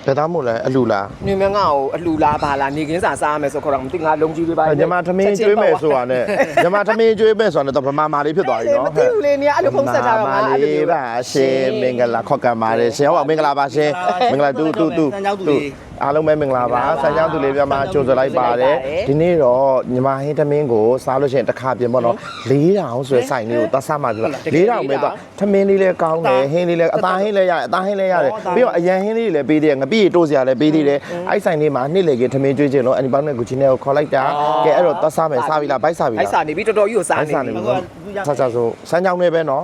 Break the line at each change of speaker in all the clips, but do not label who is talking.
ဘယ်သားမို့လဲအလူလား
နေမငါ့ကိုအလှူလားပါလားနေကင်းစာစားရမယ်ဆိုခေါ်တော့မသိငါလုံးကြီးတွေပါ
ညီမထမင်းကျွေးမယ်ဆိုတာနဲ့ညီမထမင်းကျွေးမယ်ဆိုတာနဲ့တော့ဗမာမာလေးဖြစ်သွားပြီနော်
မသိဘူးလေနေအဲ့လိုဖုန်းဆက်ထားတော့ငါအဲ့လိုမျိုး
ပါရှင်မင်္ဂလာခေါက်ကံပါတယ်ရှင်ဟုတ်ပါမင်္ဂလာပါရှင်မင်္ဂလာတူအားလုံးပဲမင်္ဂလာပါဆန်းချောင်းသူလေးပြမကြိုဆိုလိုက်ပါတယ်ဒီနေ့တော့ညီမဟင်းသမင်းကိုစားလို့ရှိရင်တစ်ခါပြင်ပေါ့နော်4000ဆိုတဲ့ဆိုင်လေးကိုသွားစားမှပြ4000ပဲတော့သမင်းလေးလည်းကောင်းတယ်ဟင်းလေးလည်းအသားဟင်းလည်းရတယ်အသားဟင်းလည်းရတယ်ပြီးတော့အရန်ဟင်းလေးလည်းပေးသေးတယ်ငပိတိုးစရာလည်းပေးသေးတယ်အဲ့ဆိုင်လေးမှာနှစ်လေကသမင်းကျွေးခြင်းလို့အန်ဒီပေါင်းနဲ့ဂူချီနဲ့ကိုခေါ်လိုက်တာကဲအဲ့တော့သွားစားမယ်စားပြီလားဘိုက်စားပြီလား
အဲ့စားနေပြီတော်တော်ကြီးကိုစားနေ
စားနေပြီဆက်ဆက်ဆိုဆန်းချောင်းလေးပဲနော်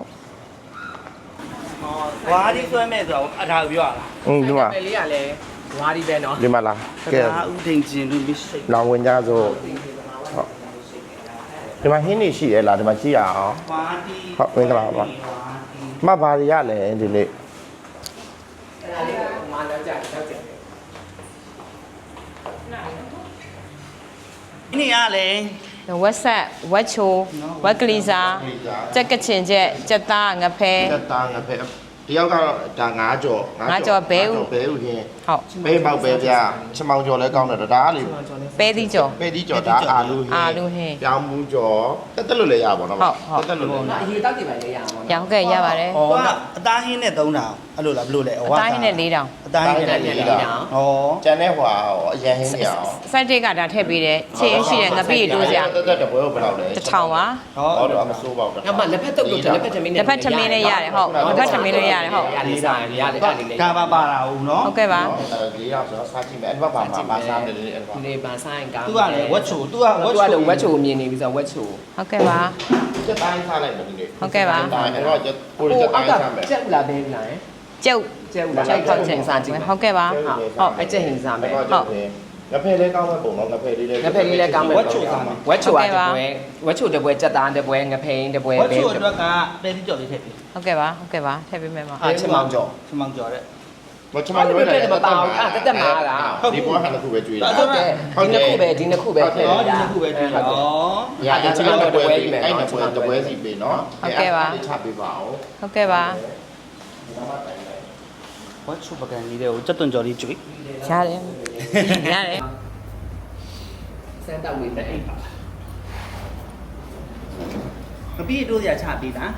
ဝါးဒီဆွဲမဲ့ဆိုတော့အထာပြောရလား
ဒီမှာ
ပဲလေးကလည်းဝါးဒီပဲနော်
ဒီမှာလားကဲ
ဒါဥထိန်ကျင်လူမရှိ
လောင်ဝင်ကြဆိုဟုတ်ဒီမှာဟင်းနေရှိရလားဒီမှာကြည့်ရအောင်
ဝါးဒီ
ဟုတ်မင်္ဂလာပါမဘာရရလဲဒီနေ့
အဲ့ဒါလေးကမာလာကြတောက်ကြတယ်
ဒီနေ့ကလည်း
ဝက်ဆက်ဝက်ချိုဝက်ကလေးစားကြက်ကချင်ချက်ကြက်သားငဖဲ
တက်သားငါဖက်တယောက်ကတော့ဒါ9ကြော်ဘဲဥဟင်း
ဟုတ်
ဘဲပေါက်ပဲဗျာချမောင်ကြော်လဲကောင်းတယ်ဒါကလေ
ပဲသီးကြော်
ပဲဒီကြော်ဒါအာလူဟင်း
အာလူဟင်း
ပြောင်းမှုကြော်တက်လို့လည်းရပါတော့
ဟုတ်
တက်လို့လည်း
အရေးတောက်ကြည့်ပါလေရအောင်
ရောင်းခဲ့ရပါတယ်
ဟောအသားဟင်းနဲ့3000အဲ့လိုလားဘလို့လဲ
အသားဟင်းနဲ့4000
အသားဟင်းနဲ့4000ဟော
ကျန်တဲ့ဟွာအရန်ဟင်းနေအောင်
စိုက်တိတ်ကဒါထည့်ပေးတယ်ချင်းရှိတယ်ငပိတိုးစရာ
တက်တပွဲကိုဘယ်လောက်လဲ
1000ပါ
ဟောတော့မစိုးပါဘူး
ငါမှလက်ဖက်တုပ်လို့လက်ဖက်သမင်းနဲ့
တစ်ဖက်ထမင်းလေးရတယ်ဟုတ်တစ်ဖက်ထမင်းလေးရတယ်ဟုတ်
ရလေးစားရတယ်အဲ့ဒီလေး
ဒါပါတာဦးနော်
ဟုတ်ကဲ့ပါ
၄ရောက်ဆိုတော့စားကြည့်မယ်အဲ့ဘက်ပါမှာစားတယ်လေအဲ့ဘက်
ဒီနေ့ပါဆိုင်ကောင်း
သူကလည်းဝက်ချိုသူကဝက်
သူက
ချို
လည်းဝက်ချိုမြင်နေပြီဆိုဝက်ချို
ဟုတ်ကဲ့ပါ
ကျက်တိုင်းစားလိုက်မယ်ဒီနေ့
ဟုတ်ကဲ့ပါ
တိုင်းအဲ့တော့ကျက်ကိုကျက်တိုင်းစားမယ်
ကျက်ဦးလားဘဲဦးလား
ကျုပ်
ကျက်ဦးလားလိုက်ခေါက်ချက်စားကြည့်မယ်
ဟုတ်ကဲ့ပါ
ဟုတ်အဲ့ကျက်ဟင်းစားမယ်
ဟုတ်ငါဖဲလေးကောင်းမဲ့ပုံတော့ငါဖဲလေးလေး
ငါဖက်လေးလည်းကောင်းမယ်ဝက်ချိုစားမယ်ဝက်ချိုကတပွဲဝက်ချိုတပွဲကြက်သားတပွဲငဖိန်တပွဲ
ဝက်
ပဲ
ချိုအတွက်ကပဲဒီကြော်လေးထည့်ပြီ
ဟုတ်ကဲ့ပါဟုတ်ကဲ့ပါထည့်ပေးမယ်ပါ
အာချင်မောင်ကြော်
ချမောင်ကြော်တဲ့
မချမလို့လည်း
မပါဘူးအဲ့တက်မားလား
ဒီဘောဟာတစ်ခုပဲကျွေးတာ
ဟုတ်တယ်ဒီနှစ်ခုပဲထည့်
ဟောဒီနှစ်ခုပဲတွေ့ဩ
ရအချင်မောင်တပွဲကြီးမယ်
အဲ့တပွဲစီပေးနော်ချပေးပါအောင်
ဟုတ်ကဲ့ပါ
ဝက်ချိုပကံလေးတွေကိုစက်သွန်ကြော်လေးကျွေး
ရတယ်ရတယ်
စမ်းတောက်လေးနဲ့အိပ်ပါ
ငပိတိုးစရာချပေးတာ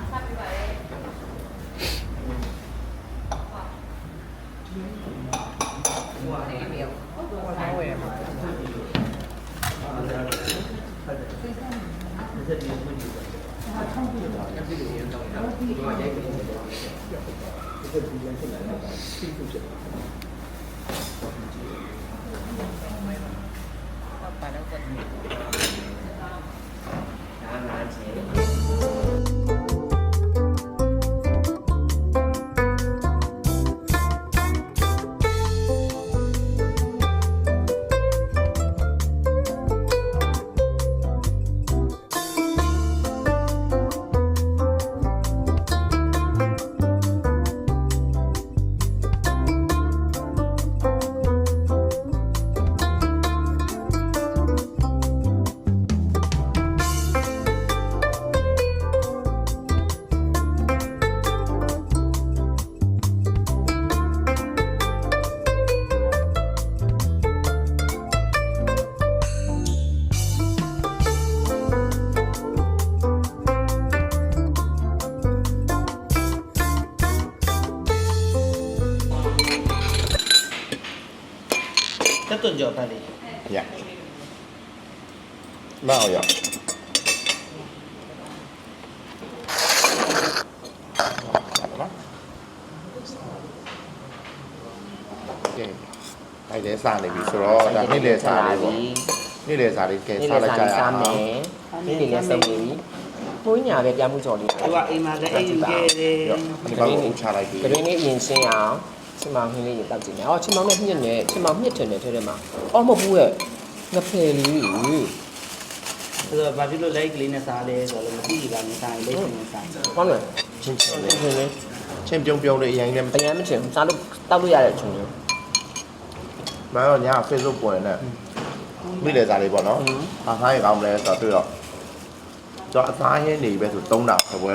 စက်သွန်ကြော်တက်လေး
ရမောင်ရအဲ့ဒါစားနေပြီဆိုတော့ဒါနေ့လေစားလေးပေါ့နေ့လေစားလေးကဲစားလိုက်ကြရအောင်
ဒီနေ့လည်းစုံနေပြီဘိုးညာပဲပြမှုကြော်လေး
သူကအိမ်မှာလည်းအိမ်ယူခဲ့တယ်
ဒီဘောကိုချလိုက်ပြီ
ကလေးလေးအရင်ရှင်းအောင်ချင်မောင်ဟင်းလေးရေတောက်ကြည့်မယ်အော်ချင်မောင်နဲ့မြင့်နဲ့ချင်မောင်မြင့်ထင်တယ်ထဲထဲမှာအော်မဟုတ်ဘူးရဲ့ငဖယ်လေး
ဆိုတော့ဘာဖြစ်လို့လိုက်ကလေးနဲ့စားလဲဆိုတော့မသိဘူးလားမစားရင်လက်ရှင်နဲ့စား
ဟုတ်လား
ချင်းချင်းပြုံးလေးအရင်လည်း
အရင်မချင်စားလို့တောက်လို့ရတဲ့အချိန်မျိုး
မတော်ညာ Facebook ပေါ်နေမိလေစားလေးပေါ့နော်အားစားရကောင်းမလဲဆိုတော့တွေ့တော့ကျွန်တော်အစားရင်းနေပဲဆို3000ခပွဲကို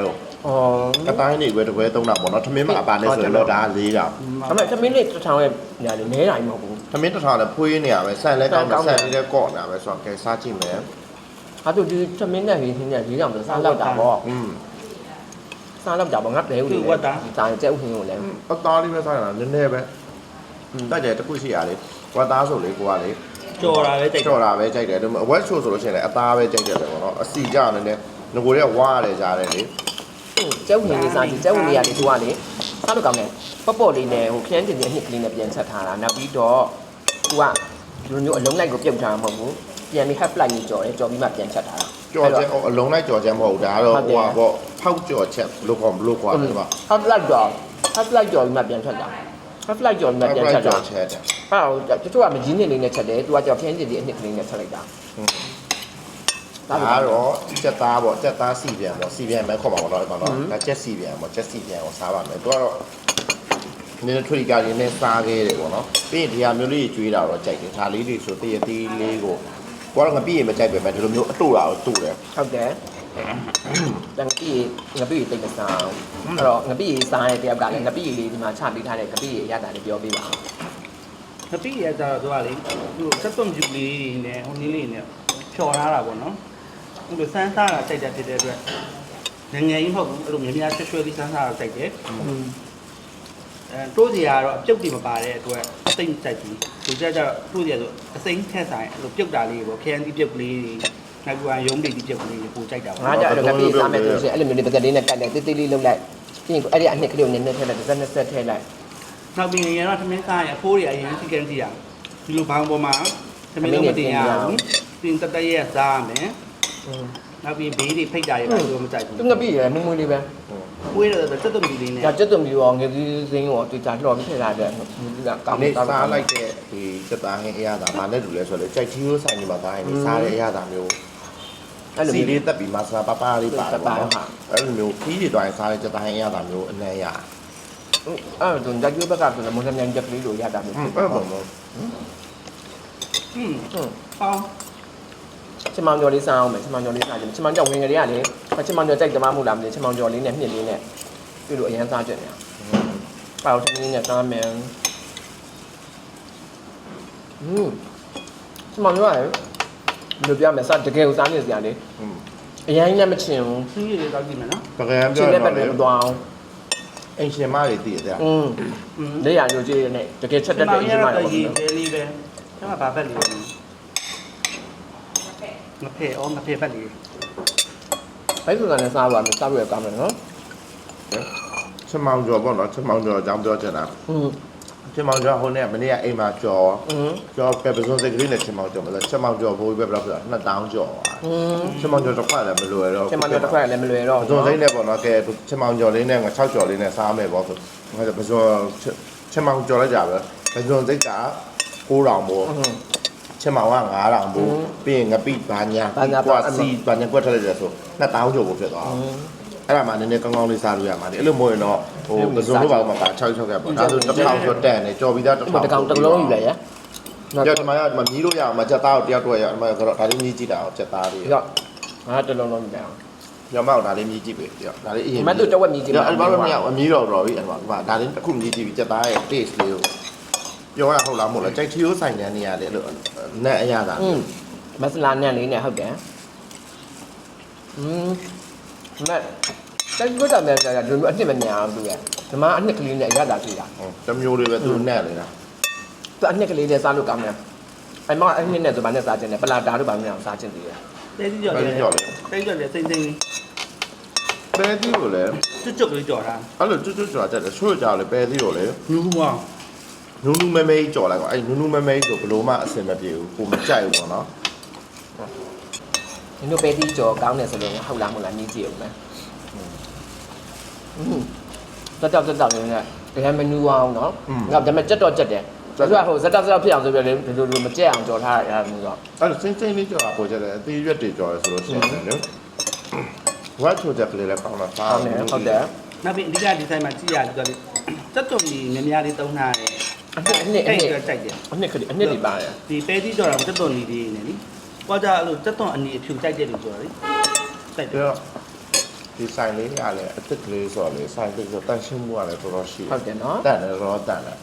အတိုင်းနေပဲတပွဲသုံးတာပေါ့နော်ထမင်းမအပါနဲ့ဆိုရင်တော့ဒါ၄တောင်
ဒါပေမဲ့သမင်းလေးတစ်ထောင်ရဲ့ညာလေနဲတိုင်းမဟုတ်ဘူး
ထမင်းတစ်ထောင်လည်းဖွေးနေရပဲဆန်လည်းကောင်းတယ်ဆန်လေးလည်းကော့နေတာပဲဆိုတော့ကဲစားကြည့်မယ်
ဟာတို့ဒီသမင်းနဲ့ဟင်းနဲ့၄တောင်ဆိုစားလောက်တာပေါ့ စားလောက်တာပေါ့ငါဘဲဦးလေးဒီတိုင်းကျဲဥဟင်းကိုလည်း
အသားလေးပဲစားရတာနည်းနည်းပဲတိုက်တယ်တခုရှိရလေဝတ်သားဆိုလေကိုကလေ
ကြော်တာပဲတိတ်
ကြော်တာပဲကြိုက်တယ်ဝက်ချိုဆိုလို့ရှိရင်လည်းအသားပဲကြိုက်တယ်ပဲပေါ့နော်အစီကြနည်းနည်းငကိုတွေကဝါရတယ်ကြားတယ်လေ
ကျဲဥဟင်းလေးစားကြည့်ကျဲဥလေးရလေသူကလေစားလို့ကောင်းတယ်ပေါ့ပေါ့လေးနဲ့ဟိုခရမ်းတင်တဲ့အနှစ်ကလေးနဲ့ပြန်ချက်ထားတာနောက်ပြီးတော့သူကဒီလိုမျိုးအလုံးလိုက်ကိုပြုတ်ထားမှာမဟုတ်ဘူးပြန်ပြီး half flight ကြီးကြော်တယ်ကြော်ပြီးမှပြန်ချက်ထားတာ
ကြော်ချက်အလုံးလိုက်ကြော်ချက်မဟုတ်ဒါကတော့ဟိုပါပေါ့ဖောက်ကြော်ချက်လို့ခေါ်မလို့ခေါ်တယ်ပါ
half flight ကြော် half flight ကြော်ပြီးမှပြန်ချက်တာ half flight ကြော်ပြီးမှပြန်ချက်တာ
ချက်တယ်
အဲ့တော့တချို့ကမကြီးနေလေးနဲ့ချက်တယ်သူကကြော်ခရမ်းတင်တဲ့အနှစ်ကလေးနဲ့ချက်လိုက်တာ
ဒါကတော့ချက်သားပေါ့ချက်သားစီပြန်ပေါ့စီပြန်ပဲခေါ်ပါတော့ဒီမှာတော့ဒါချက်စီပြန်ပေါ့ချက်စီပြန်ကိုစားပါမယ်သူကတော့နည်းနည်းထွေကားရင်းနဲ့စားခဲ့တယ်ပေါ့နော်ပြီးရင်ဒီဟာမျိုးလေးကျွေးတာတော့ကြိုက်တယ်ဒါလေးတွေဆိုတရသေးလေးကိုကိုကတော့ငပိရေမကြိုက်ပဲဒီလိုမျိုးအတူတာကိုတူတယ်
ဟုတ်တယ်ငါပြီတိတ်မစားအဲ့တော့ငပိစားတဲ့တယောက်ကလည်းငပိလေးဒီမှာချပေးထားတဲ့ငပိရတာလေးပြောပေးပါ
ငပိရကြတော့သူကလေသူစက်သွန်ပြူလေးနဲ့ဟိုနည်းလေးနဲ့ဖြော်ထားတာပေါ့နော်ဟိုလိုစမ်းစားတာတိုက်တာဖြစ်တဲ့အတွက်ငငယ်ကြီးမဟုတ်ဘူးအဲ့လိုများများရွှဲရွှဲလေးစမ်းစားတာတိုက်တယ်တိုးစီကတော့အပြုတ်တွေမပါတဲ့အတွက်အသိမ့်တိုက်ကြီးသူကြတော့တိုးစီကတော့အစိမ့်ထက်ဆိုင်အဲ့လိုပြုတ်တာလေးပေါ့ခရမ်းတီးပြုတ်ကလေးနောက်ကရုံးတိတ်တီးပြုတ်ကလေးကိုကြိုက်တာပေါ့
ငါကြတော့ငပိစားမယ်ဆိုလို့ရှိရင်အဲ့လိုမျိုးလေးပကက်လေးနဲ့ကတ်တယ်တိတ်တိတ်လေးလုပ်လိုက်ပြီးရင်အဲ့ဒီအနှစ်ကလေးကိုနည်းနည်းထည့်လိုက်တစ်စက်နှစ်စက်ထည့်လိုက်
နောက်ပြီးရင်တော့သမင်းစားရအဖိုးတွေအရင်စီကန်းစီရဒီလိုဘောင်းပေါ်မှာသမင်းလုံးမတင်ရဘူးတင်တက်တက်ရစားရမယ်နောက်ပြီးဘေးတွေဖိတ်တာတွေပါလို့မကြိုက်ဘူး
သူငပိရမွေးမွေးလေးပဲ
ဝေးတော့စက်သွန်ပြူလေးနဲ့
ကြာကျက်သွံမျိုးရောငယ်ကြီးစင်းရောတွေ့ကြလှော်ပြီးထည့်လာတဲ့ဒီကကောင်း
နေ
ကောင်း
စားလိုက်တဲ့ဒီချက်သားဟင်းအရသာမနဲ့တူလဲဆိုတော့ကြိုက်ချီရိုးဆိုင်နေမှာသားရင်စားတဲ့အရသာမျိုး
အဲ့လို
စီ
မျိုး
လေးတက်ပြီးမဆာပပလေးပါတယ်ပေါ့နော်အဲ့လိုမျိုးခီးတွေတွိုင်းစားတဲ့ချက်သားဟင်းအရသာမျိုးအနံ့ရ
အဲ့တော့ဓာတ်ကျိုးဘက်ကဆိုတော့မွန်မြန်ချက်ကလေးလိုရတာမျိုးဖြစ်
အဲ့
တယ်
ပေါ့နော်
ပေါင်း
ချမောင်ကျော်လေးစားအောင်မယ်ချမောင်ကျော်လေးစားကြည့်ချမောင်ကျော်ဝင်ကလေးကလေချမောင်ကျော်ကြိုက်ကြမှာမဟုတ်လားမသိချမောင်ကျော်လေးနဲ့မြင့်လေးနဲ့ပြလို့အရန်စားကြတယ်ပေါ့ထမင်းနဲ့စားမယ်ချမောင်ကျော်ကလေဘယ်လိုပြမလဲစားတကယ်ကိုစားနေစရာလေအရန်ကြီးလည်းမချင်ဘူး
စီးရည်တောက်ကြည့်မယ်နော်
ပကံ
ချ
ပြော
င်
ရ
တဲ့ဘ
တော့
က်
လေ
တွေမသွားအောင်
အင်ရှင်မတွေတည်တယ်
လက်ရရိုးကြီးနဲ့တကယ်ချက်တတ်တဲ့အရင်မှ
တော့
တော့
ရေးသေးလေးပဲကျမဘာဘက်လေးငဖဲ့ငဖဲ့ဘက်လေး
ဘိုက်ဆိုတာနဲ့စားပါမယ်စားလို့ရကောင်းတယ်နော်
ချက်မောင်ကျော်ပေါ့နော်ချက်မောင်ကျော်အကြောင်းပြောချင်တာချက်မောင်ကျော်ဟိုနေ့မနေ့ကအိမ်မှာကျော်ကျော်ပဲပစုံစိတ်ကလေးနဲ့ချက်မောင်ကျော်မလားချက်မောင်ကျော်ဘိုးပဲဘယ်လောက်ဆိုတော့2000ကျော်ချက်မောင်ကျော်တစ်ခွက်လည်းမလွယ်တော့
ချက်မှတော့တစ်ခွက်လည်းမလွယ်တော့
ပစုံစိတ်နဲ့ပေါ့နော်ကဲချက်မောင်ကျော်လေးနဲ့6ကျော်လေးနဲ့စားမယ်ပေါ့ဆိုပစုံချက်မောင်ကျော်လိုက်ကြပဲပစုံစိတ်က9000ပေါ့ချက်မောင်က9000ဘူးပြီးရင်ငပိဘာညာကွာစီဘာညာကွက်ထလိုက်တယ်ဆို2000ကျော်ကိုဖြစ်သွားအောင်အဲ့ဒါမှနည်းနည်းကောင်းကောင်းလေးစားလို့ရမှာလေအဲ့လိုမဟုတ်ရင်တော့ဟိုပစုံတို့ဘာမှပါ6ကပေါ့ဒါဆို1000ကျော်တန်နေကြော်ပြီးသား1000
တကောင်တစ်လုံးယူလိုက်ရ
ကြော်ဒီမှာကမမြည်လို့ရအောင်မချက်သားကိုတယောက်တော့ရအောင်ကတော့ဒါလေးမြည်ကြည့်တာအောင်ချက်သားလေး
ရောငါတစ်လုံးလုံးယူလိုက်အောင်
ညမောက်ဒါလေးမြည်ကြည့်ပြီဒါလေးအရင်
မတ်တို့တဝက်မြည်ကြည့်
အဲ့ဘာလို့မရအောင်အမြည်တော့ပြီအဲ့မှာဒါလေးတစ်ခုမြည်ကြည့်ပြီချက်သားရဲ့ taste လေးကိုပြောရဟုတ်လားမဟုတ်လားကြိုက်ချီရိုးဆိုင်တဲ့နေရာလေအဲ့လိုနဲ့အရသာ
မဆလာနဲ့လေးနဲ့ဟုတ်တယ်မတ်တက်ကြွတာနဲ့ကြာဒီလိုအနှစ်မညာအောင်သူရဒီမှာအနှစ်ကလေးနဲ့ရတာကြည့်တာ
တမျိုးလေးပဲသူနဲ့လေလား
သူအနှစ်ကလေးနဲ့စားလို့ကောင်းတယ်အဲ့မှာအနှစ်နဲ့ဆိုဘာနဲ့စားခြင်းလဲပလာတာတို့ဘာနဲ့အောင်စားခြင်းတည်းရ
တဲကြီးကြော်တယ်တဲကြီးကြော်တယ်စိမ့်စိမ့်
ပဲသီးကိုလည်း
ကျွတ်ကျွတ်လေးကြော်တာ
အဲ့လိုကျွတ်ကျွတ်ကြွားတက်တယ်ဆွတ်ကြလေပဲသီးကိုလည်း
ညူးဝါ
နူးနူးမဲမဲကြော်လိုက်ကွာအဲ့နူးနူးမဲမဲဆိုဘလို့မှအစင်မပြေဘူးကိုမကြိုက်ဘူးပေါ့နော်
ဒီလိုပဲတီးကြော်ကောင်းတယ်ဆိုလို့ဟုတ်လားမဟုတ်လားမြည်ကြည့်အောင်မယ်တက်တော့နေနဲ့တကယ်မနူအောင်နော်ငါဒါပေမဲ့ကြက်တော့ကြက်တယ်ဆိုတော့ဟိုဇက်တော့ဖြစ်အောင်ဆိုပြလေဒီလိုမကြက်အောင်ကြော်ထားရတာမျိုးတော့
အဲ့လိုစင်းစင်းလေးကြော်တာပေါ်ကြတယ်အသေးရွက်တွေကြော်တယ်ဆိုလို့ရှိရင်လေဝါချိုချက်ကလေးလည်းကောင်းတာစား
ဟုတ်တယ်
နောက်ပြီးအဓိကဒီဆိုင်မှာကြည့်ရတယ်ဆိုတော့စက်သွန်ကြီးများများလေးသုံးထားတယ်
အနှစ်
အဲ့ဒါကြိုက်တယ်
အနှစ်ကလေးအနှစ်တွေပါတယ်
ဒီပဲကြီးကြော်တာစက်သွန်ကြီးလေးနေလीကွာကြအဲ့လိုစက်သွန်အနီအဖြူကြိုက်တဲ့လူကြော်တယ်ကြိုက်တယ်
ပြဒီဆိုင်လေးကလည်းအစ်စ်ကလေးဆိုတော့လေဆိုင်လေးဆိုတန်ရှင်းမှုကလည်းတော်တော်ရှိ
ဟုတ်တယ်နော်
တန်တယ်တော့တန်တယ်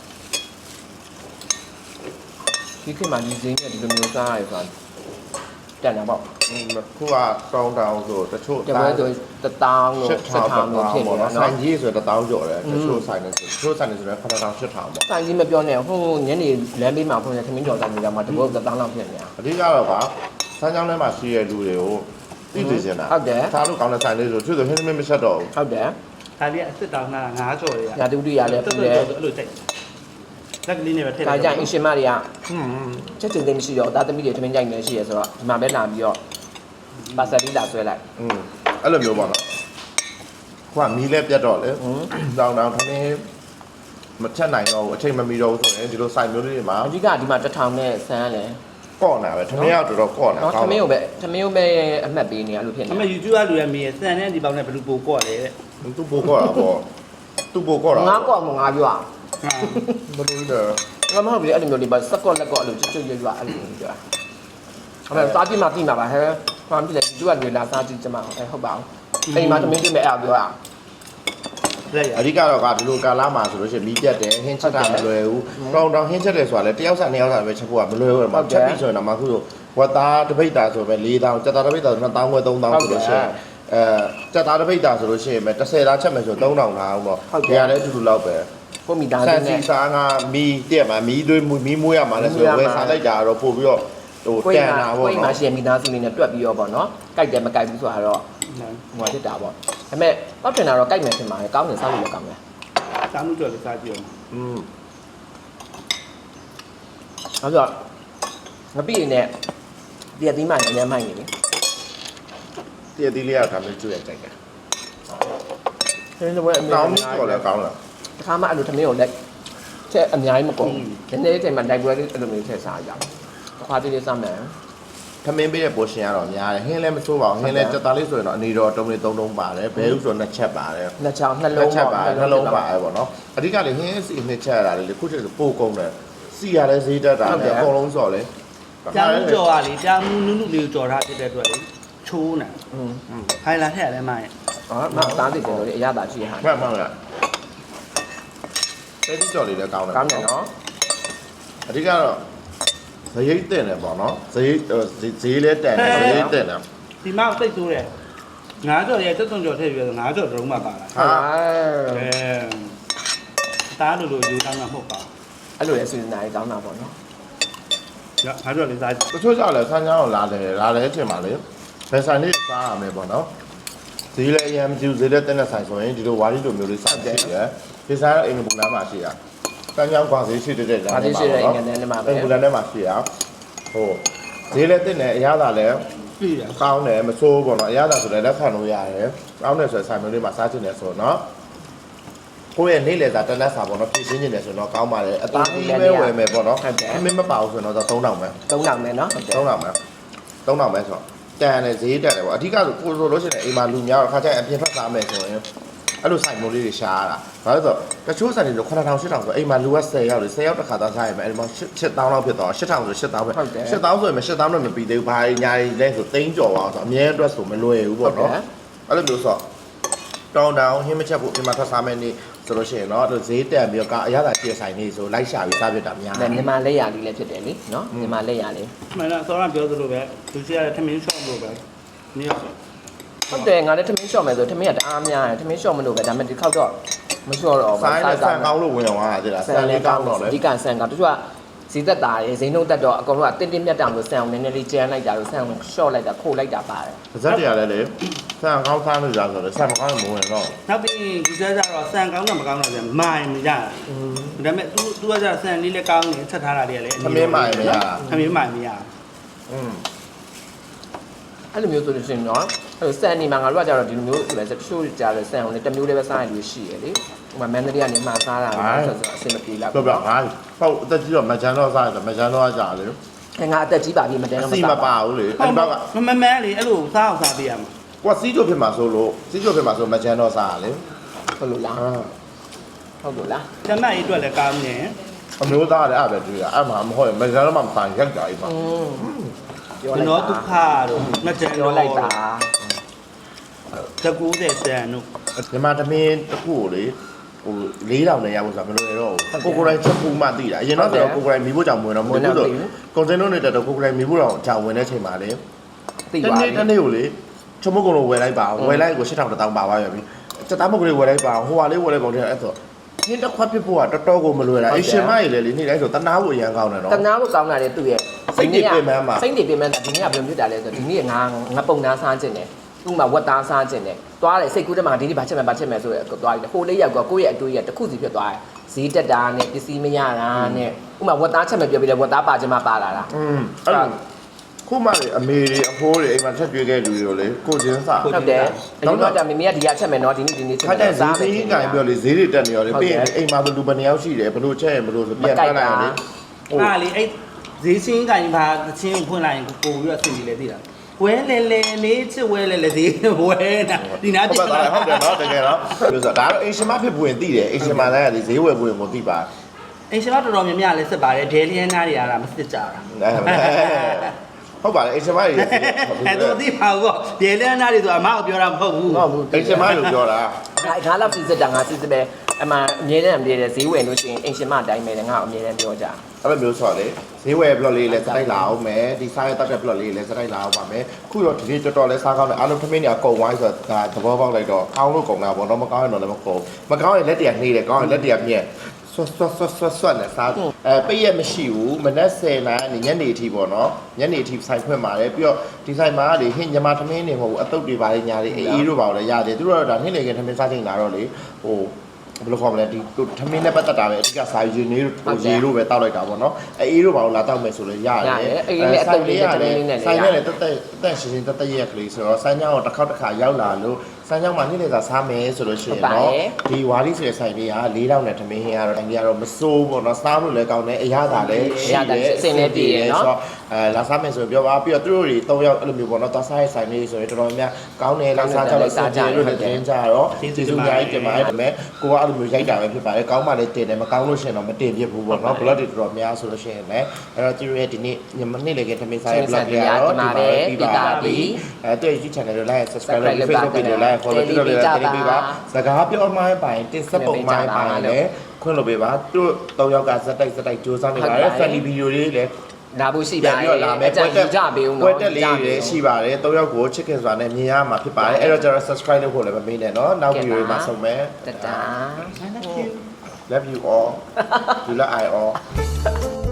ဒီခေတ်မှာဒီဈေးနဲ့ဒီလိုမျိုးစားရဆိုတာတက်တာပေါ့
ခုကတောင်းတောင်းဆိုတချို့
တပွဲဆို1000လို့7000လို့ဖြစ်နေတယ်
ဆိုင်
နော်
ကြီးဆို1000ကျော်တယ်တချို့ဆိုင်နေဆိုတချို့ဆိုင်နေဆိုတော့9000 8000ပေါ့
ဆိုင်ကြီးမပြောနဲ့ဟိုညနေလမ်းဘေးမှာဖွင့်တဲ့ခမင်းကျော်ဆိုင်ကြီးကမှတပွဲ1000လောက်ဖြစ်နေတာ
အဓိကတော့ကစမ်းချောင်းထဲမှာရှိတဲ့လူတွေကိုသိသိချင်တာ
ဟုတ်တယ်
သားလို့ကောင်းတဲ့ဆိုင်လေးဆိုသူဆိုဟင်းသမင်းမဆက်တော့ဘူး
ဟုတ်တယ်
ဒါလေးကအစ်စ်တောင်းတာ9ကျော်တွေက
ညာတူတူရလဲပူတယ်
အဲ့လိုတိုက်လက်ကလေးနဲ့ပဲထည့်
ဒါကြရင်အရှင်မတွေက
อืม
ချက်ချင်းသိမရှိတော့ဒါသမီးတွေထမင်းကြိုက်နေရှိရဆိုတော့ဒီမှာပဲလာပြီးတော့ပါဆယ်လေးလာဆွဲလိုက်
อืมအဲ့လိုမျိုးပေါ့နော်ခုကမီးလဲပြတ်တော့လေတောင်းတောင်းခင်းမချက်နိုင်တော့ဘူးအချိန်မမီတော့ဘူးဆိုရင်ဒီလိုဆိုင်မျိုးလေးတွေမှာ
အဓိကဒီမှာ1000နဲ့ဆန်းလဲ
ကော့နေတာပဲထမင်းရောက်တော်တော်ကော့နေတာ
နော်ထမင်းကိုပဲအမှတ်ပေးနေရလို့ဖြစ်နေ
အမေ YouTube ကလူရမေးစံတဲ့ဒီပေါင်းနဲ့ဘယ်လိုပိုကော့လဲတဲ့
သူ့ပိုကော့တာပေါ့သူ့ပိုကော့တာ
ငါကော့မငါပြော
ဘယ်လိုလဲ
ငါမဟုတ်ဘူးအဲ့လိုမျိုးလေးပါစကော့လက်ကော့အဲ့လိုချွတ်ချွတ်ရွရွအဲ့လိုမျိုးပြောအဲ့မဲ့စားကြည့်မှပြီးမှာပါဟဲ့ဘာဖြစ်လဲသူကတွေလာစားကြည့်ကြမှာဟုတ်ပါဘူးအိမ်မှာသမင်းပြမဲ့အဲ့ပြော
လက်ရ
အဓိကတော့ကဒီလိုကာလာမှာဆိုလို့ရှိရင်မီးပြတ်တယ်ဟင်းချက်တာမလွယ်ဘူးတောင်းတောင်းဟင်းချက်တယ်ဆိုတာလေတယောက်စားနှစ်ယောက်စားပဲချက်ဖို့ကမလွယ်ဘူးမှာချက်ပြီးဆိုရင်တော့မှခုဆိုဝတ်သားတစ်ပိတ်တာဆိုပဲ4000ကြက်သားတစ်ပိတ်တာဆို2000ခွဲ3000ဆိုလို့ရှိရင်ကြက်သားတစ်ပိတ်တာဆိုလို့ရှိရင်ပဲ30သားချက်မယ်ဆို3000လားအောင်တော့ဒီကလည်းအတူတူလောက်ပဲ
ကိုမိသား
ဆ
စု
န်စီ
နဲ့
စားကမီးတက်မှာမီးသွေးမီးမွေးရမှာလဲဆိုတော့ဝယ်စားလိုက်တာတော့ပို့ပြီးတော့ဟို
ကို
တ
ယ်
န်
မှာ
တာ
ကို
ပေါ့
ယ်မှာ
နော်
ရှင်မိသားစုလေးနဲ့တွက်ပြီးတော့ပေါ့နော်ကြိုက်တယ်မကြိုက်ဘူးဆိုတာတော့ဟိုဖြစ်တာပေါ့ဒါပေမဲ့ပောက်ထင်တာတော့ကြိုက်မယ်ထင်ပါတယ်ကောင်းတယ်စားလို့လည်းကောင်းတယ်
စားမှုကြော်လေးစားကြည့်အောင်
อืม
နောက်ဆိုငပိနေနဲ့ဒီအသီးမှန်အများမှန်နေပြီ
တည့်တည်းလေးကဒါမျိုးကျွေးရကြိုက်တယ်
ဆင်းတဲ့ဘက်အများ
ကောင်း
ကြီး
တော့လည်းကောင်းလား
တခါမှအဲ့လိုသမင်းကိုလက်ချက်အများကြီးမကုန်ဘူးဒီနေ့ချိန်မှာတိုက်ပွဲလေးအဲ့လိုမျိုးထည့်စားရအောင်တစ်ခါတည်းလေးစားမယ်
ထမင်းပေးတဲ့ပိုရှင်ကတော့များတယ်ဟင်းလည်းမဆိုးပါဘူးဟင်းလည်းတက်သားလေးဆိုရင်တော့အနေတော်တုံးလေး3တုံးပါတယ်ဘဲဥဆိုတော့2ချက်ပါတယ်
နှစ်ချောင်းနှ
နှ
လုံး
ချက်ပါနှလုံးပါတယ်ပေါ့နော်အဓိကလေဟင်းစီ2ချက်ရတာလေခုချက်ဆိုပို့ကုန်တယ်စီရလည်းဈေးတက်တာလေအကုန်လုံးစော်လေ
ကြာမှုကြော်ကလေကြာမှုနုနုလေးကိုကြော်ထားဖြစ်တဲ့အတွက်လေချိုးနေ
อืม
ဟိုင်လာထည့်ရတယ်မိုင်း
อ๋อမသားသိတယ်လို့အရသာရှိရဟာ
မှန်မှန်လားတဲဒီကြော်လေးလည်းကောင်းတယ်
ကောင်းတယ်နော်
အဓိကတော့ဇရိတ်တင်တယ်ပေါ့နော်ဇရိတ်ဈေးလည်းတန်တယ်ဇရိတ်တင်တယ်
ဒီမှာစိတ်ဆိုးတယ်9ကြော်ရဲ့တက်သွန်ကြော်ထည့်ပြီးတော့9ကြော်တုံးမှပါလာ
ဟာ
တားလို့ယူတောင်းတာမဟုတ်ပါ
အဲ့လိုလေစီစဉ်တာကြီးကောင်းတာပေါ့နော်
ဘူး9ကြော်လေးစား
တချို့ကြောက်လဲဆန်းချောင်းကိုလာတယ်ထင်ပါလေဘယ်ဆိုင်လေးစားရမယ်ပေါ့နော်ဈေးလည်းအရင်မကြည့်ဈေးလည်းတင်းတဲ့ဆိုင်ဆိုရင်ဒီလိုဝါရီလိုမျိုးလေးစားကြည့်ရတယ်ဒီဆိုင်ကအင်္ဂပူလမ်းမှာရှိရဆန်းချောင်းကွာဈေးရှိတဲ့လမ်း
ဒါလေးရှိတဲ့အင်္ဂလန်ထဲမှာပဲ
အင်္ဂပူလမ်းထဲမှာရှိရဟိုဈေးလည်းတင်းတယ်အရသာလည်း
ပြီရ
ကောင်းတယ်မဆိုးပေါ့နော်အရသာဆိုလည်းလက်ခံလို့ရတယ်ကောင်းတယ်ဆိုရင်ဆိုင်မျိုးလေးမှာစားချင်တယ်ဆိုတော့ကိုယ့်ရဲ့နေ့လည်စာတက်လက်စာပေါ့နော်ဖြည့်ရှင်းနေတယ်ဆိုတော့ကောင်းပါတယ်အသားကြီးပဲဝယ်မယ်ပေါ့နော်အမင်းမပါဘူးဆိုတော့3000ပဲ
3000ပဲနော်ဟုတ်တယ်
3000ပဲ3000ပဲဆိုတော့တန်တယ်ဈေးတက်တယ်ပေါ့အဓိကဆိုကိုဆိုလို့ရှိရင်အိမ်မှာလူများတော့ခါကျရင်အပြင်ထွက်စားမယ်ဆိုရင်အဲ့လိုဆိုင်မိုးလေးတွေရှားရတာဘာလို့ဆိုတချို့ဆိုင်တွေ9000 8000ဆိုအိမ်မှာလူက10ယောက်လေ10ယောက်တစ်ခါသားစားရမယ်အဲ့ဒီမှာ8000လောက်ဖြစ်သွား8000ဆို8000ပဲ8000ဆိုရင်8000တော့မပြီးသေးဘူးဘာညာကြီးလဲဆို3ကျော်ပါဆိုအမြဲအတွက်ဆိုမလွယ်ဘူးပေါ့နော်အဲ့လိုမျိုးဆိုတောင်းတောင်းဟင်းမချက်ဖို့အိမ်မှာထွက်စားမယ်နေဆိုလို့ရှိရင်တော့ဈေးတက်ပြီးတော့အရသာပြည့်ဆိုင်နေဆိုလိုက်ရှာပြီးစားပြတာများ
ဒါမြန်မာလက်ရာလေးလည်းဖြစ်တယ်လीနော်မြန်မာလက်ရာလေး
မှန်လားစောရပြောသလိုပဲသူစီရတဲ့ထမင်းရှော့လို့ပဲနေရဆို
ဟုတ်တယ်ငါလည်းထမင်းလျှော့မယ်ဆိုထမင်းကတအားများတယ်ထမင်းလျှော့မလို့ပဲဒါပေမဲ့ဒီခောက်တော့မလျှော့တော့ဘူး
ဆိုင်နဲ့ဆန်ကောင်းလို့ဝင်အောင်ဟာတဲ့လားဆန်လေးကောင်းတော့လေ
ဒီကဆန်ကတချို့ကဈေးသက်တာရယ်ဈေးနှုန်းတက်တော့အကုန်လုံးကတင်းတင်းမြတ်တောင်လို့ဆန်အောင်နည်းနည်းလေးကျန်းလိုက်တာလို့ဆန်အောင်လျှော့လိုက်တာခိုးလိုက်တာပါတယ်
ပါဇက်တရားလည်းလေဆန်ကောင်းစားလို့ရဆိုတော့ဆန်မကောင်းရင်မဝင်တော့
နောက်ပြီးဒီစားကြတော့ဆန်ကောင်းတာမကောင်းတာပြန်မိုင်မရဒါပေမဲ့ तू ကကြဆန်လေးလည်းကောင်းနေချက်ထားတာလေးလည်း
သမင်းမိုင်မရတာ
သမင်းမိုင်မရ
အဲ့လိုမျိုးဆိုလို့ရှိရင်တော့အဲ့လိုဆန်နေမှာငါတို့ကကြတော့ဒီလိုမျိုးဆိုလဲတချို့ကြတယ်ဆန်အောင်လည်းတစ်မျိုးလေးပဲစားရလို့ရှိရလေဟိုမှာမန္တလေးကနေမှာစားတာဆိုတော့အဆင်မပြေလောက်
ပြောပြငါပေါ့အသက်ကြီးတော့မချမ်းတော့စားတယ်မချမ်းတော့ကြာလေ
အဲငါအသက်ကြီးပါပြီမတန်း
အ
တော့
စီမပါဘူးလေအဲ့ဒီဘက်က
မမန်းလေအဲ့လိုစားအောင်စားပေးရမှာ
ကွာစီးကြိုဖြစ်မှာဆိုလို့စီးကြိုဖြစ်မှာဆိုမချမ်းတော့စားရလေ
ဟုတ်လို့လားဟုတ်လို့လား
ကျမကြီးအတွက်လည်းကောင်းနေ
အမျိုးသားလည်းအဲ့ပဲတွေ့ရအဲ့မှာမဟုတ်ရင်မချမ်းတော့မှမဆိုင်ရက်ကြအိမ်မှာ
ပြော
ကျွန်
လိုက်
တော်ဒုက္ခတို့ငကြံ
ပြောလိုက်တာ
တက်90တန်တို့
မြန်မာသမင်းတစ်ခုကိုလေဟို4000နဲ့ရဖို့ဆိုတာမလွယ်တော့ဘူးကိုကိုတိုင်းချက်ပူမှသိတာအရင်တော့ဆိုတော့ကိုကိုတိုင်းမီးဖို့ကြောင့်ဝင်တော့မဟုတ်ဘူးဆိုကွန်စင်တို့နဲ့တက်တော့ကိုကိုတိုင်းမီးဖို့တော့ကြောင်ဝင်တဲ့ချိန်မှာလေ
သိပါပြီ
တနေ့ကိုလေချုံမကုံလိုဝယ်လိုက်ပါဝယ်လိုက်ကို8000တောင်းပါသွားပြီစက်သားမုတ်ကလေးဝယ်လိုက်ပါဟိုဟာလေးဝယ်လိုက်ကောင်တဲ့အဲ့ဆိုဟင်းတစ်ခွက်ဖြစ်ဖို့ကတော်တော်ကိုမလွယ်တာအရှင်မကြီးလေနေ့တိုင်းဆိုတနာဖို့အရန်ကောင်းတယ်နော်
တနာဖို့ကောင်းတာလေသူ့ရဲ့
စိတ်တွေပင်ပန်းပါ
စိတ်တွေပင်ပန်းတာဒီနေ့ကဘယ်လိုဖြစ်တာလဲဆိုတော့ဒီနေ့ငါပုံသားစားခြင်းတယ်ဥမာဝက်သားစားခြင်းတယ်သွားတယ်စိတ်ကူးတက်မှာဒီနေ့ဘာချက်မယ်ဆိုရယ်သွားတယ်ဟိုလေးရောက်ကကိုယ့်ရဲ့အတွေးရတစ်ခုစီဖြစ်သွားတယ်ဈေးတက်တာနဲ့ပစ္စည်းမရတာနဲ့ဥမာဝက်သားချက်မယ်ပြောပြီးတယ်ဝက်သားပါခြင်းမပါလာတာ
အဲ့လိုခုမှလေအမေတွေအဖိုးတွေအိမ်မှာချက်ကျွေးခဲ့လူတွေလေကိုချင်းစာ
ဟုတ်တယ်အရင်ကမမေကဒီကချက်မယ်နော်ဒီနေ့ချက်
ခါ
မယ်
တဲ့ဈေးကြီးကင်ပြောလေဈေးတွေတက်နေရောလေပြီးရင်အိမ်မှာလူဘယ်နှယောက်ရှိတယ်ဘလို့ချက်ရင်ဘလို့ဆိုပြန်ထွက်လိုက်ရင်လေ
အားလေအဲ့ဈေးချင်းကင်ပါသချင်းကိုဖွင့်လိုက်ရင်ပို့ပြီးတော့ဆင်ပြီးလဲသိတာဝဲလေလေလေးချစ်ဝဲလေလေဈေးဝဲတာဒီနာ
ဟုတ်ပါဟုတ်တယ်နော်တကယ်တော့ပြောဆိုဒါတော့အိမ်ရှင်မဖြစ်ပွင့်သိတယ်အိမ်ရှင်မလည်းဈေးဝယ်ပွင့်ကိုသိပါ
အင်ရှင်မတော်တော်များများလဲစစ်ပါတယ်ဒဲလီယန်နာတွေအားမစစ်ကြတာ
ဟုတ်ပါတယ်အိမ်ရှင်မကြီး
အဲ့တော့သိပါဘူးဒဲလီယန်နာတွေဆိုအမကိုပြောတာမဟုတ်ဘူး
ဟုတ်ဘူးအိမ်ရှင်မလို့ပြောတာ
ငါလောက်စီစစ်တာငါစစ်စစ်ပဲအမှအမြဲတမ်းအမြဲတမ်းဈေးဝယ်လို့ရှိရင်အင်ရှင်မအတိုင်းပဲငါအမြဲတမ်းပြောကြ
အဲ့လိုမျိုးဆိုတော့လေဈေးဝယ် blog လေးလည်းစတိုက်လာအောင်မယ်ဒီစားရတတ်တဲ့ blog လေးလည်းစတိုက်လာအောင်ပါမယ်ခုတော့ဒီတော်တော်လေးစားကောင်းတယ်အားလုံးထမင်းတွေအကုန်ဝိုင်းဆိုတော့ဒါသဘောပေါက်လိုက်တော့ကောင်းလို့ကုန်တာပေါ့တော့မကောင်းရင်တော့လည်းမကုန်မကောင်းရင်လက်တရနှေးတယ်ကောင်းရင်လက်တရမြက်ဆွတ်နဲ့စားပိတ်ရမရှိဘူးမနက်10နာရီညနေအထိပေါ့နော်ညနေအထိဆိုင်ဖွင့်ပါတယ်ပြီးတော့ဒီဆိုင်မှာလေဟင်းညမထမင်းတွေမဟုတ်ဘူးအတုပ်တွေပါလေညာတွေအေးတို့ပါလို့ရတယ်သူတို့ကတော့ဒါနှင်းလေကထမင်းစားချိန်လာတော့လေဟိုဘယ်လိုခေါ်မလဲဒီထမင်းနဲ့ပတ်သက်တာပဲအဓိကစာယူနေတို့ရေတို့ပဲတောက်လိုက်တာပေါ့နော်အေးတို့ပါလို့လာတောက်မယ်ဆိုလို့ရတယ်ဆိုင်နဲ့လည်းတက်ရှင်းရှင်းတက်ရက်ကလေးဆိုတော့ဆိုင်ကြောင်တစ်ခါရောက်လာလို့ဆိုင်ကြောင်မှာနေ့လေသာစားမယ်ဆိုလို့ရှိရင်တော့ဒီဝါရီဆိုတဲ့ဆိုင်လေးက4000နဲ့ထမင်းဟင်းကတော့တိုင်းကြီးကတော့မစိုးပေါ့နော်စားလို့လည်းကောင်းတယ်အရသာလည်းရှိတယ်အဆင်လည်းပြေတယ်နော်လာစားမယ်ဆိုပြောပါပြီးတော့သူတို့တွေ3ယောက်အဲ့လိုမျိုးပေါ့နော်သွားစားရဲ့ဆိုင်လေးဆိုရင်တော်တော်များကောင်းတယ်လာစားကြလို့စားကြလို့လည်းတင်ကြတော့ကျေးဇူးများကြီးတင်ပါတယ်ဒါပေမဲ့ကိုကအဲ့လိုမျိုးရိုက်တာပဲဖြစ်ပါတယ်ကောင်းမှလည်းတင်တယ်မကောင်းလို့ရှိရင်တော့မတင်ပြဘူးပေါ့နော် blog တွေတော်တော်များဆိုလို့ရှိရင်လည်းအဲ့တော့သူတို့ရဲ့ဒီနေ့နေ့လေကထမင်းစားရဲ့ blog တွေကတော့ဒီမှာပြီးပါပြီအဲ့တော့ YouTube channel ကို like subscribe လုပ် Facebook page ကို like follow လုပ်လို့လည်းတင်ပေးပါစကားပြောမှပိုင်တင်ဆက်ပုံမှပိုင်လည်းခွင့်လုပ်ပေးပါသူတို့3ယောက်ကစက်တိုက်စူးစမ်းနေပါတယ် funny video တွေလည်း
လာဖို့ရှိပါတယ်
ပြီးတော့လာမယ်
ကြပေးဦး
ပွဲတက်လေးတွေရှိပါတယ်3ယောက်ကိုချစ်ခင်စွာနဲ့မြင်ရမှာဖြစ်ပါတယ်အဲ့တော့ကျွန်တော် subscribe လုပ်ဖို့လည်းမမေ့နဲ့เนาะနောက် video တွေမှာဆုံမယ်
တတာ
love you all you love I all